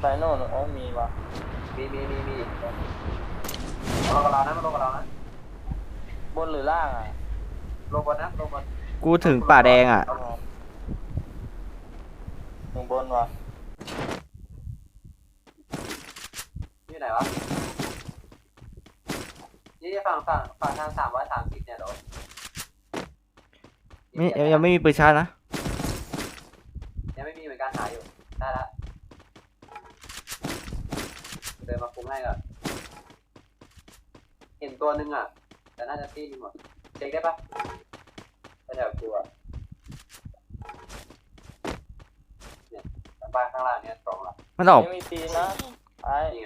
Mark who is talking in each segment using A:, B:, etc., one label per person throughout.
A: ไปโน่นอ๋อมีว่ะ
B: มีมาลงกับเรานะมาลงกับเรานะ
A: บนหรือล่างอ่ะ
B: ลงบนนะลงบน
C: กูถึงป่าแดงอ่ะ
A: ลงบนว่ะ
B: นี่ไหนวะนี่ฝั่งทาง330เนี่ยเหรอ
C: ไม่ยังไม่มีปืนชาร์จนะ
B: ยังไม่มีเหมือนกันหาอยู่ได้ละเดินมาคุมให้ก่อนเห็นตัวนึงอ่ะแต่น่าจะตีนึงหมดเช็คได้ปะแถวกูอ่ะเนี่ยบ้านข้างล่างเนี่ยสองละ
C: มันออก
A: ไม่มีปีนะไอ้
B: นี่ไง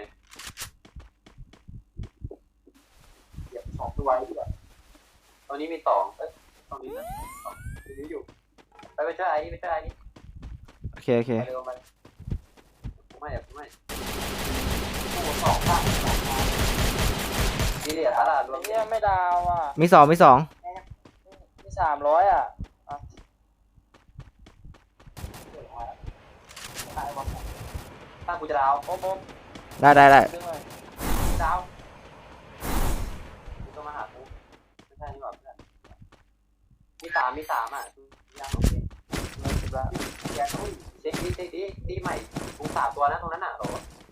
B: เดี๋ยวสองตัวไว้ดีกว่าตอนนี้มีสองตรงนี้นะสองตรงนี้อยู่ไปช่วยไอ้นี่ไปช่วยไอ้นี่
C: โอเคโอเค
B: ไปเร็วมันไม่สองข้างนี่เหลี่ยตลาดรวม
A: เนี่ยไม่ดาวอ่ะ
C: มีสอง
A: มี300อ่ะ
B: ถ้ากูจะดาว
A: โอ้โห
C: ได้
A: ดึงเลย
B: ดาวกูต้องมาหากูไม่ใช่นี่หว่าเพื่อนมีสามอ่ะยังโอเค
A: ไม่คิดว่า
B: เช็คดีใหม่กู3ตัวนะตรงนั้นอ่ะหรอ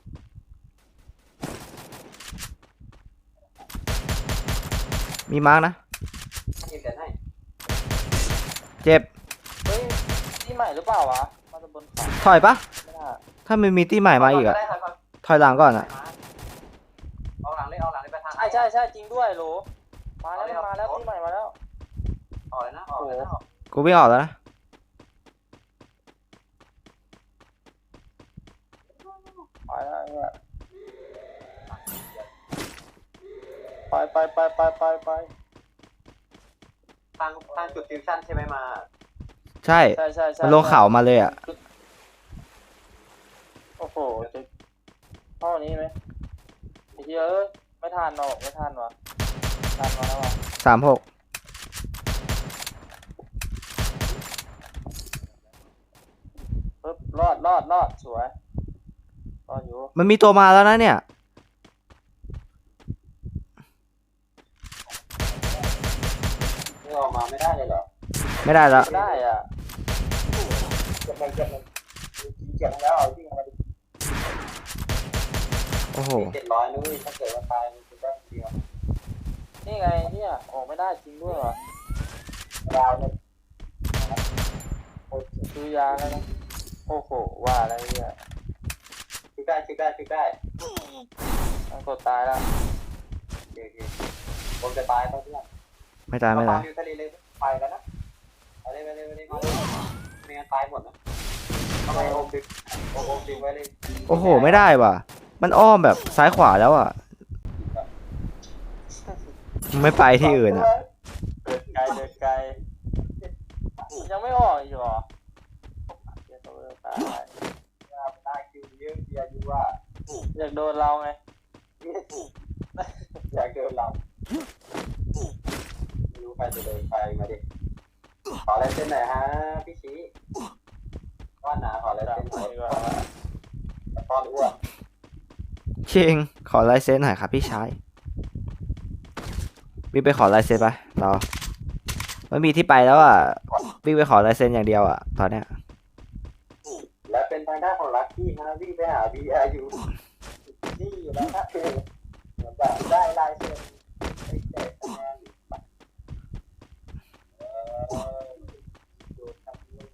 C: มีมาร์กนะ
B: ให้เดี๋ยวให้
C: เจ็บ
A: เฮ้ยที่ใหม่หรือเปล่าวะมาจะบนฝั่ง
C: ถอยปะ
A: ไม่น่า
C: ถ้ามันมีที่ใหม่มาอีกอะถอยหลังก่อนอะ
B: เอาหลังเลยไปทาง
A: ใช่จริงด้วยโหลมาแล้วที่ใหม่มาแล้ว
B: ออกเลยนะออกเลยนะ
C: กูวิ่งออกแล้วนะ
A: ไปแล้วเนี่ยไป
B: ทางจุดฟิวชั่นใช่ไหมมา
C: ใช่
A: ใช่
C: มันลงเขามาเลยอะ
A: โอ้โหจะเข้านี้ไหมไอ้เหี้ยเอ้ยไม่ทันหรอกไม่ทันวะทันมาแล้ววะ
C: 36
A: ปึ๊บรอดสวยรอดอยู่
C: มันมีตัวมาแล้วนะเนี่ย
B: ไม่ออกมาไม่ได้เลยเหรอ
C: ไม่ได้แล้ว
A: ได้อ่ะ
B: เก็บแล้วเอาที่มาดิ
C: โอ้โห
B: 700นู้นถ้าเกิดว่าตายมันจะได้เดียว
A: นี่ไงเนี่ยออกไม่ได้จริงด้วยวะ
B: ดาวเลย
A: ซื้อยาแล้วนะโอ้โหว่าอะไรเนี่ย
B: ชิคได้
A: มันกดตายแล้ว
B: โอเคผมจะตายต้องเพื่อน
C: ไม่ตาย
B: อยู่ทะเลเลยไปแล้วนะไปเลยไม่งั้นตายหมดนะทำไมโอมดึงไว้เลย
C: โอ้โหไม่ได้ว่ะ มันอ้อมแบบซ้ายขวาแล้วอะมันไม่ไปที่อื่นอะ
A: เดินไกลยังไม่ออกอีกเหรอเดี๋ยวตัวตาย
B: ได้คิวเยอะเบียร์ดูว่า
A: อยากโดนเราไง
B: อยากเดินเราไม่รู้ใครจะเดินไปมาดิขอลายเส้นหน่อยฮะพี่ชี้ก้อนหนาขอลาย
A: จับ
B: เส้นหน่อย
A: ดีกว่า
B: ก้อนอ้วน
C: ชิงขอลายเซ็นหน่อยครับพี่ชายวิ่งไปขอลายเซ็นไปเราไม่มีที่ไปแล้วอ่ะวิ่งไปขอลายเซ็นอย่างเดียวอ่ะตอนเนี้ย
B: และเป็นทางด้านของลัคกี้ฮะวิ่งไปหา BRU นี่แล้วฮะเหมือนแบบได้ลายเซ็นไอ้เด็กคะแนนดูทำเลย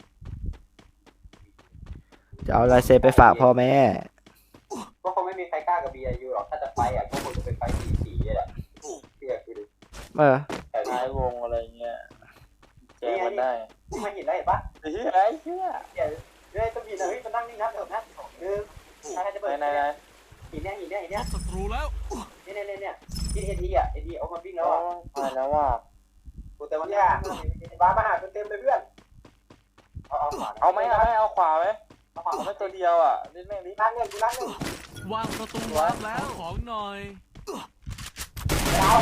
C: จะเอาลายเซ็นไปฝากพ่อแม่
B: ก็คงไม่มีใครกล้ากับ BRU หรอกถ้าจะไปอ่ะก็คงจะเป็นไฟสีๆแหละเพี่คือดู แต่
A: ท้ายวงอะไรเงี้ยแจกมันได้
B: ที่มาหินได้เห็นปะ
A: ไอ้เหี้ย
B: เฮ้ยต้องหินนะเฮ้ยมันนั่งนี่นะเดี๋ยวนะใครจะเปิด
A: ไหน
B: หินเนี่ย
D: ศัตรูแล้ว
B: เนี่ยที่เอทีอ่ะเอทีเอามาวิ่งแล้วอ่ะ
A: ไปแล้วว่ะ
B: กูแต่วันนี้บ้ามาหาเต็มเลยเพื่อน
A: เอาไหมเอาขวาไหมเอาไม่ตัวเดียวอ่ะนิดแม่งดิ
B: นั่งเงินกูนั่งเงิน
D: วางประตูวางแล้วของหน่อย
B: ดาว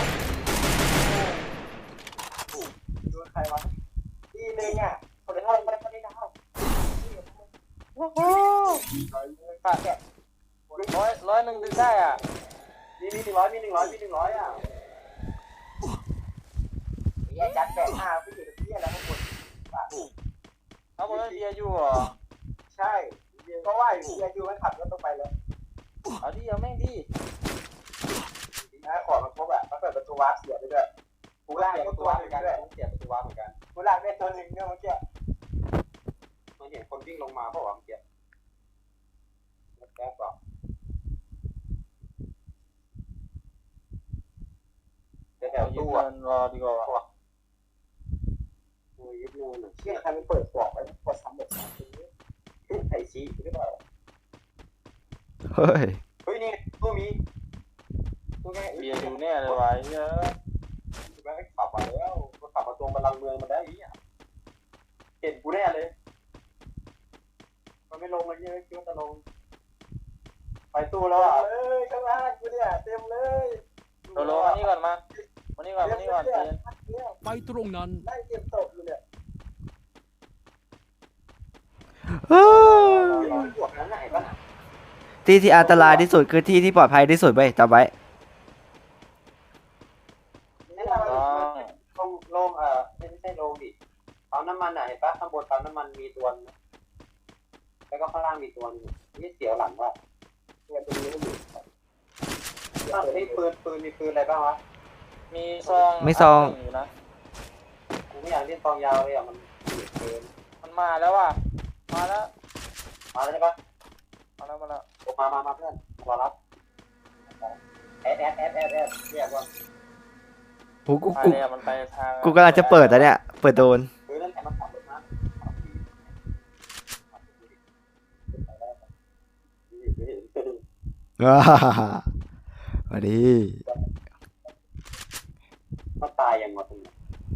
B: ดูใครวะทีนึงอ่ะคนเดียวคนได้ดาว
A: โอ้โหไปขาดร้อยหนึ่งดึงได้อ่ะ
B: มี100อ่ะไอ้จัดแบก5พี่อยู่ตรงนี้แล้วข้างบน
A: เอาบนเบียร์อยู่เหรอ
B: ใช่เพราะว่าเบียร์อยู่มันขับรถต้องไปแล้ว
A: เอาดิเอาแม่งดิ
B: นะของมันครบอ่ะมันเปิดประตูวาร์ปเสียไปด้วยกูลากได้ตัวเหมือนกันเสียประตูวาร์ปเหมือนกันกูลากได้ตัวหนึ่งเนี่ยเมื่อกี้มันเห็นคนวิ่งลงมาเพราะว่าเมื่อกี้แก๊สบอกแถว
A: อยู่
B: ตู้
A: เดิ
B: อ่ะ
A: นรอดีกว่า
B: โอ้ยยึดเลยเชี่ยใครมันเปิดกล่องไว้กดซ้ำแบบนี้ไอซีหรือเปล่า
C: เฮ้ย
B: เฮ้ยนี่ตู้มีตู้แค่
A: เบียร์อยู่เนี่ยเลยวะเยอะ
B: แม่งขับมาแล้วก็ขับมาตรงบัลลังก์เมืองมาได้อีอ่ะเห็นกูแน่เลยมันไม่ลงเลยเยอะคิดว่าจะลงไปตู้แล้วอ่ะเลยข้างล่างกูเนี่ยเต็มเลย
A: โดโลมานี่ก่อนมานี่ก่อนเจน
D: ไปตรงนั้น
B: ได้เก็บตกอยู่เนี่ย
C: เฮ้ย
B: บวกนั้นไหนปะ
C: ที่ที่อันตรายที่สุดคือที่ที่ปลอดภัยที่สุดเว้ยจำไว้
B: นี่เราลงไม่ใช่ลงดิปั๊มน้ำมันอ่ะเห็นปะข้างบนปั๊มน้ำมันมีตัวแล้วก็ข้างล่างมีตัวนึงนี่เสียวหลังว่ะเนี่ยตัวนี้ไม่อยู่นี่ปืนมีปืนอะไรบ้างวะ
A: มีซอง
C: ไม่ซอง
A: อยู่นะ
B: กูไม่อยากเล่นตองยาวเลยอ่ะมันเกิน
A: มันมาแล้วว่ะมาแล้ว
B: มาแล้วใช่ปะ
A: มาแล้วมาแล้ว
B: มาเพื่อนรอรับแอดเรียกว่า
C: กูกู
A: ไป
C: กู
A: เลยมันไปทาง
C: กูกำลังจะเปิดแต่เนี่ยเปิดโดน
B: นั่นแหละมันขับรถมา
C: ว้าสวัสดี
B: มันตายยังหมดเลย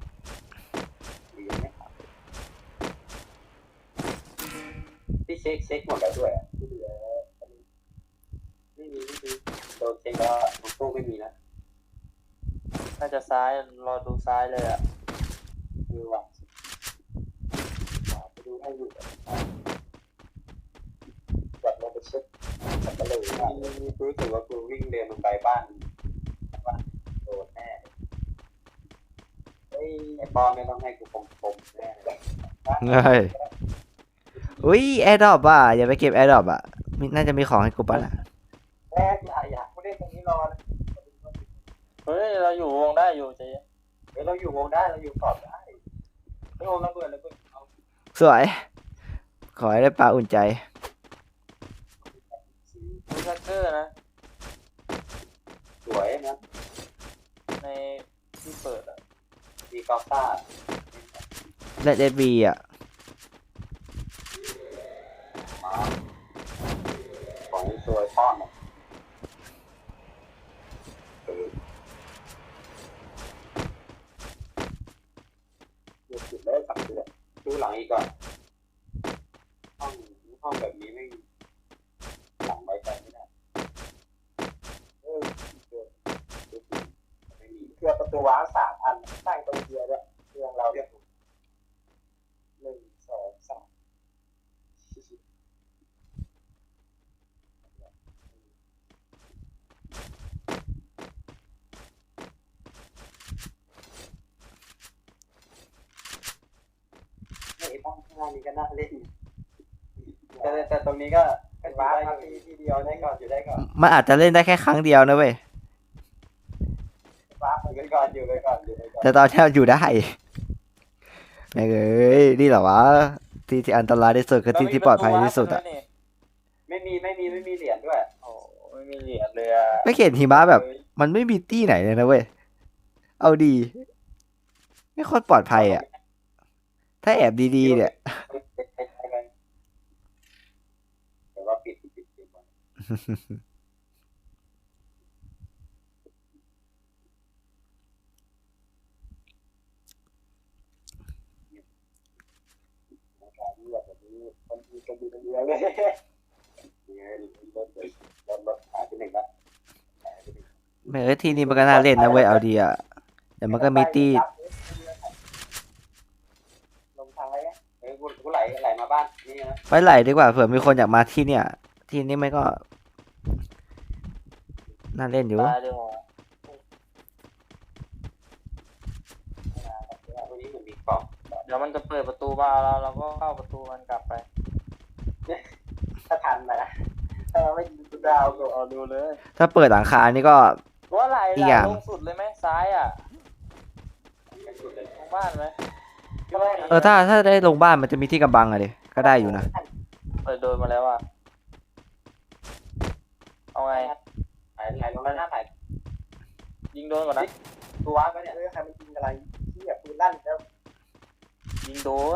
B: ที่เช็คหมดแล้วด้วยที่เหลือไม่มีโดนเช็คแล้วของตู้ไม่มีนะ
A: น่าจะซ้ายรอดูซ้ายเลยอ่ะ
B: คือว่าไปดูให้อยู่แบบลงไปเช็คกันเลยรู้สึกว่ากูวิ่งเดินลงไปบ้านโดนแน่ไอ้ปอไม่ต้องให้กูคมแน่เลย
C: เฮ้ยอุ้ยแอร์ดรอปอ่ะอย่าไปเก็บแอร์ดรอปอ่ะน่าจะมีของให้กูป่ะล่ะ
B: แรกอยากกูเล่นตรงนี้รอนะ
A: เฮ้ยเราอยู่วงได้อยู่เจ๊
B: เราอยู่วงได้เราอยู่ขอบได้ไม่วงระเบิดเอา
C: สวย ขอให้ได้ปลาอุ่นใจ
A: มีซักเกอร์นะ
B: สวยนะ
A: ในที่เปิดอ่ะ
B: มีกอล์ฟซ่า
C: และเดบีอ่ะ
B: ของสวยป้อนดูสุดเลยสักเดือนดูหลังอีกก่อนห้องแบบนี้ไม่หลังไว้ใจไม่ได้เครื่องประตูว้าง3 อันตั้งตรงเดียวด้วยเครื่องเราเรียก1 2 3ไอ้บ้านข้างล่างนี้ก็น่าเล่นแต่ตรงนี้ก็เป็นว้าทีเดียวได้ก่อนอยู่ได้ก่อน
C: มันอาจจะเล่นได้แค่ครั้งเดียวนะเว้ย
B: ว้าไปก่อนอยู่ไปก่อนอยู่ไปก่อน
C: แต่ตอนนี้อยู่ได้แม่งเอ้ยนี่เหรอวะที่ที่อันตรายที่สุดคือที่ที่ปลอดภัยที่สุดอ่ะ
B: ไม่มีเหรียญด้วย
A: โอ้ไม่มีเหรียญเลยอ่ะ
C: ไม่เห็นหิมะแบบ มันไม่มีตี้ไหนเลยนะเว้ยเอาดีไม่ค่อยปลอดภัยอ่ะถ้าแอบดีๆเนี่ย
B: แต่ว่าปิดคนดีเยอะเลยรถหายไป1ละ
C: แม่งเอ้ยที่นี่มันก็น่าเล่นนะเว้ยเอาดีอ่ะแต่มันก็มีตี้
B: ลงทางอะไรกูไหลมาบ้านนี่นะ
C: ไว้ไหลดีกว่าเผื่อมีคนอยากมาที่เนี่ยทีมนี้มันก็น่าเล่นอยู่
A: ตายเลยหัว
B: วันนี้เหมือนมีกล่อง
A: เดี๋ยวมันจะเปิดประตูมาเราก็เข้าประตูมันกลับไป
B: ถ้าทันนะถ้าไม่ยิงกูดาวก็
A: เอาดูเลย
C: ถ้าเปิดหลังคานี่ก็
A: ว่าไหล
C: อีกอย่าง
A: ลงสุดเลยไหมซ้ายอ่ะ
B: เป็นสุดเลย
A: ลงบ้านไหม
C: ถ้าได้ลงบ้านมันจะมีที่กำบังอะดิก็ได้อยู่นะ
A: เปิดโดนมาแล้วอ่ะเอาไง
B: ไหลลงแล้วหน้าไหล
A: ยิงโดนก่อนนะ
B: ตัวก็เนี่ยใครมันยิงอะไรที่แบบปืนลั่นแล้ว
A: ยิงโดน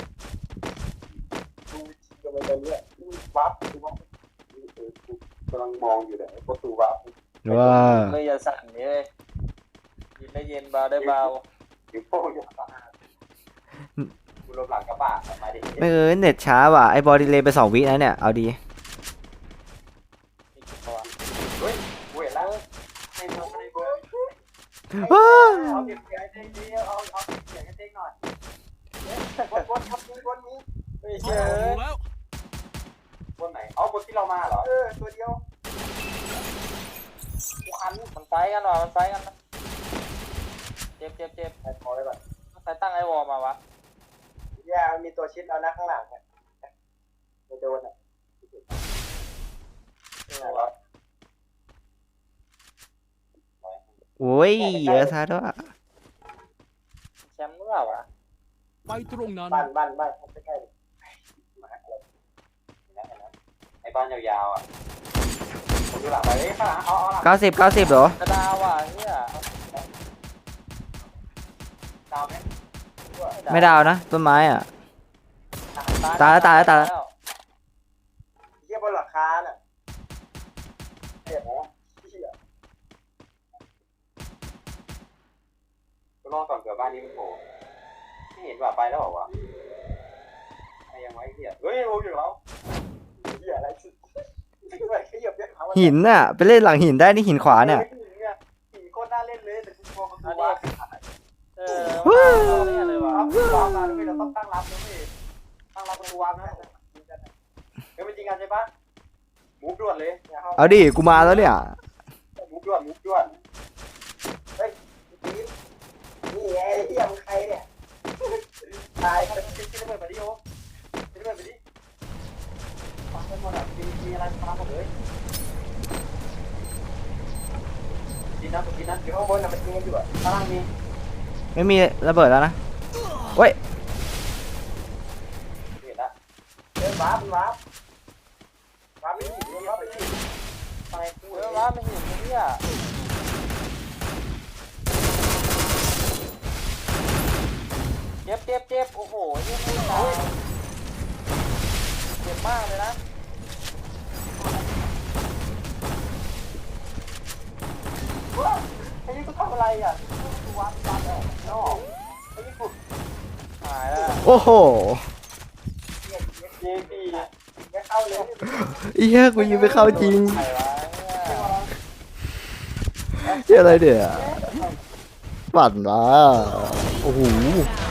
B: ดูยิงกันไปเรื่อยวับดูวับกำลังมองอยู่เลยประตูวับ
C: ว้า
A: เลยอย่าสั่นเลยยิงได้เย็นเบาได้เบา
B: อยู่โป้ยสะอาดกูลบหลังกระบะมาดิ
C: ไม่เน็ตช้าว่ะไอ้บอลดีเลย์ไป2 วินะเนี่ยเอาดี
A: อีกตัว
B: เฮ้ยกูเห็นแล้วในเบอร์ในเบอร์
C: ว้า
B: เอาเก็บเสียงให้เต้ดีเอาเสียงให้เต้หน่อยบนครับบนนี้
A: ไม่
D: โอ้
A: เชื่อ
D: โหแล้ว
B: บนไหนเอาบนที่เรามาเหรอตัวเดียวคัน
A: มันไฟกันว่ะมันไฟกันนะเจ็บ
B: ไอ้พอเลยก่อน
A: ใครตั้งไอ้วอลมาวะ
B: ย่ามีตัวชิดเอาหน้าข้างหลังเนี่ยไม่โดนอ่ะ
C: โอ้ยเยอะซะด้วย
A: แชมป์เมื่อวะ
D: ไปตรงนั้น
B: บ้านใกล้ๆมาอะไรไอ้บ้านยาวๆอ่ะผมดูหลังไปข้างหลังเอาหลัง
C: 90เหรอก
A: ระดาวว่ะเนี่ย
B: ดาวไหม
C: ไม่ดาวนะต้นไม้อ่ะ ตายแล้ว
B: เยี่ยบนหลังคาน่ะเห็นไหมกูรอก่อนเผื่อบ้านนี้มันโผล่ไม่เห็นว่าไปแล้วบอกว่าไอ้ยังไว้เหี้ยเฮ้ยโอ้ยอยู่แล้วเหี้ยอะไรสิขยับเนี่ย
C: หินน่ะไปเล่นหลังหินได้นี่หินขวาเนี่ย
B: หินโคตรน่าเล่นเลยแต่กูกลัวมัน
A: อัน
B: ดู
A: นี้
B: ว่า
A: เนี่ยเลยวะ
B: วางมาด้วยเราต้องตั้งรับด้วยตั้งรับประตูวางนะเฮ้ยมันจริงกันใช่ปะมูฟด่วนเลย
C: เอาดิกูมาแล้วเนี่ย
B: มูฟด่วนเฮ้ยนี่ไงเฮียมึงใครเนี่ยตายเขาจะคิดระเบิดไปดิโอคิดระเบิดไปดิฟังกันหมดอ่ะมีอะไรฟังหมดเลยกินนะอยู่ข้างบนน่ะมันยิงกันอยู่อ่ะข้างล่างมี
C: ไม่มีระเบิดแล้วนะเว้ย
B: เห็นละเดินวาร์ปไม่ถึงวาร์ปไปที่ไปกู
A: เฮ้ยว่าไม่เห็นไอ้เนี่ยเจ็บโอ้โหยิ่งไม่ตายเจ็บมากเลยนะ
B: ไอ้นี่กูทำอะไรอ่ะกูวาร์ปแล้วนอกไอ้นี่กู
A: หายแล้ว
C: โอ้โห
B: เจพีไม่เข้าเลย
C: เหี้ยกูยิงไม่เข้าจริง
A: ใครวะเนี่ย
C: เหี้ยอะไรเดี๋ยปั่นวะโอ้โห
E: Down.